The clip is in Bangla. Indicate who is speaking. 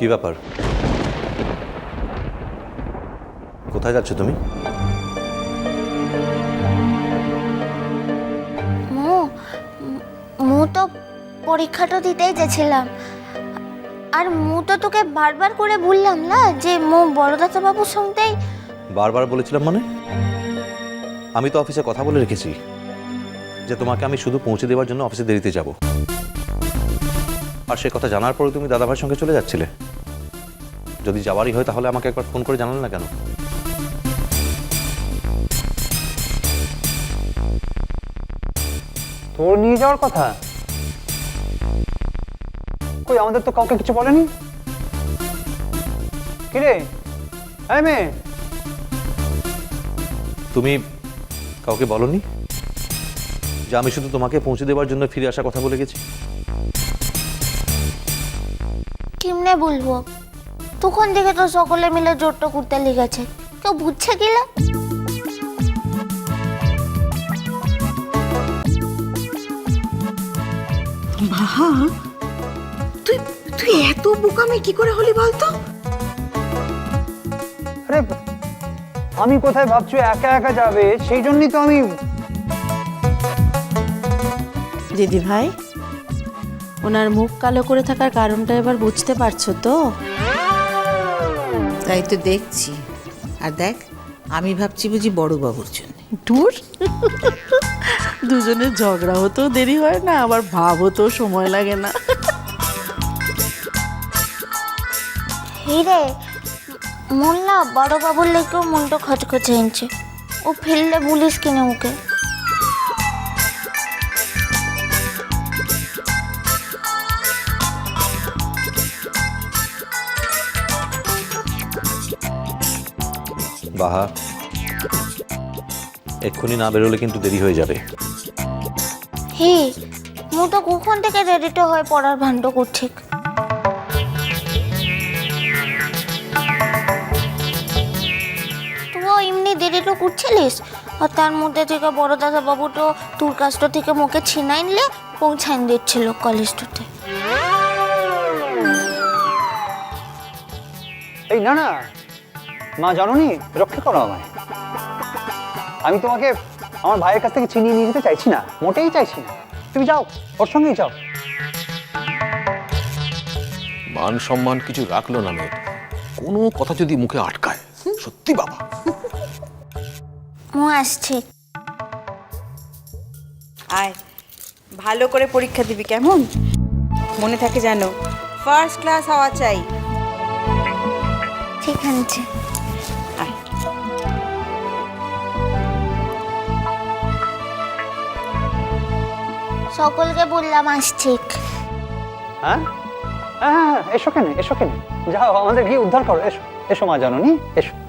Speaker 1: কি ব্যাপার? কোথায় যাচ্ছ তুমি?
Speaker 2: মু তো পরীক্ষাটা দিতেই যাচ্ছিলাম, আর মু তো তোকে বারবার করে বললাম না যে মু বড়দাদা বাবুর সঙ্গেই।
Speaker 1: বারবার বলেছিলাম মানে? আমি তো অফিসে কথা বলে রেখেছি যে তোমাকে আমি শুধু পৌঁছে দেওয়ার জন্য অফিসে দেরিতে যাব, আর সে কথা জানার পরে তুমি দাদাভাইয়ের সঙ্গে চলে যাচ্ছিলে। যদি যাওয়ারই হয় তাহলে আমাকে একবার ফোন করে জানালে না কেন?
Speaker 3: তোর নিয়ে যাওয়ার কথা কই? আমাদের তো কাউকে কিছু বলেনি। কিরে এই মেয়ে,
Speaker 1: তুমি কাউকে বলনি যে আমি শুধু তোমাকে পৌঁছে দেওয়ার জন্য ফিরে আসার কথা বলে গেছি?
Speaker 2: কেমনে বলবো? তখন থেকে তো সকলে মিলে জোরটা করতে লেগেছে, কেউ বুঝছে কিলা?
Speaker 4: বাহা, তুই তুই এত বোকামি কি করে হলি বলতো?
Speaker 3: আরে আমি কোথায় ভাবছি একা একা যাবে, সেই জন্যই তো আমি।
Speaker 5: দিদি ভাই, ওনার মুখ কালো করে থাকার কারণটা এবার বুঝতে পারছো তো?
Speaker 4: তাই তো দেখছি। আর দেখ, আমি ভাবছি বুঝি বড় বাবুর জন্য।
Speaker 5: দূর, দুজনের ঝগড়া হতেও দেরি হয় না, আবার ভাব হতেও সময় লাগে না।
Speaker 2: হিরে, মন না বড় বাবুর লেগেও মনটা খচখচে এনেছে। ও ফেললে বলিস কিনে ওকে।
Speaker 1: বাহা, এক্ষুনি না বেরোলে কিন্তু দেরি হয়ে যাবে।
Speaker 2: হে, মু তো কখন থেকে রেডিটা হয়ে পড়ার ভান্ড করছি। তুইও এমনি দেরিটা করছিলিস, আর তার মধ্যে থেকে বড় দাদা বাবু তো তোর কাছটা থেকে মুখে ছিনাই নিলে পৌঁছাইন দিচ্ছিল কলেজটাতে।
Speaker 3: এই না না মা, জানোনি, রক্ষা করো আমায়। আমি তোমাকে আমার ভাইয়ের কাছ থেকে ছিনিয়ে নিয়ে যেতে চাইছি না, মোটেই চাইছি না। তুমি যাও, ওর সঙ্গেই যাও।
Speaker 6: মান সম্মান কিছু রাখলো না মেয়ে, কোনো কথা যদি মুখে আটকায়, সত্যি বাবা।
Speaker 2: মু আসছে।
Speaker 7: আয়, ভালো করে পরীক্ষা দিবি কেমন? মনে থাকে জানো, ফার্স্ট ক্লাস হওয়া চাই।
Speaker 2: ঠিক আছে।
Speaker 7: আয়।
Speaker 2: সকলকে বললাম আসছে।
Speaker 3: হ্যাঁ হ্যাঁ হ্যাঁ, এসো কেন, এসো কেন, যাও আমাদের গিয়ে উদ্ধার করো। এসো এসো মা, জানোনি, এসো।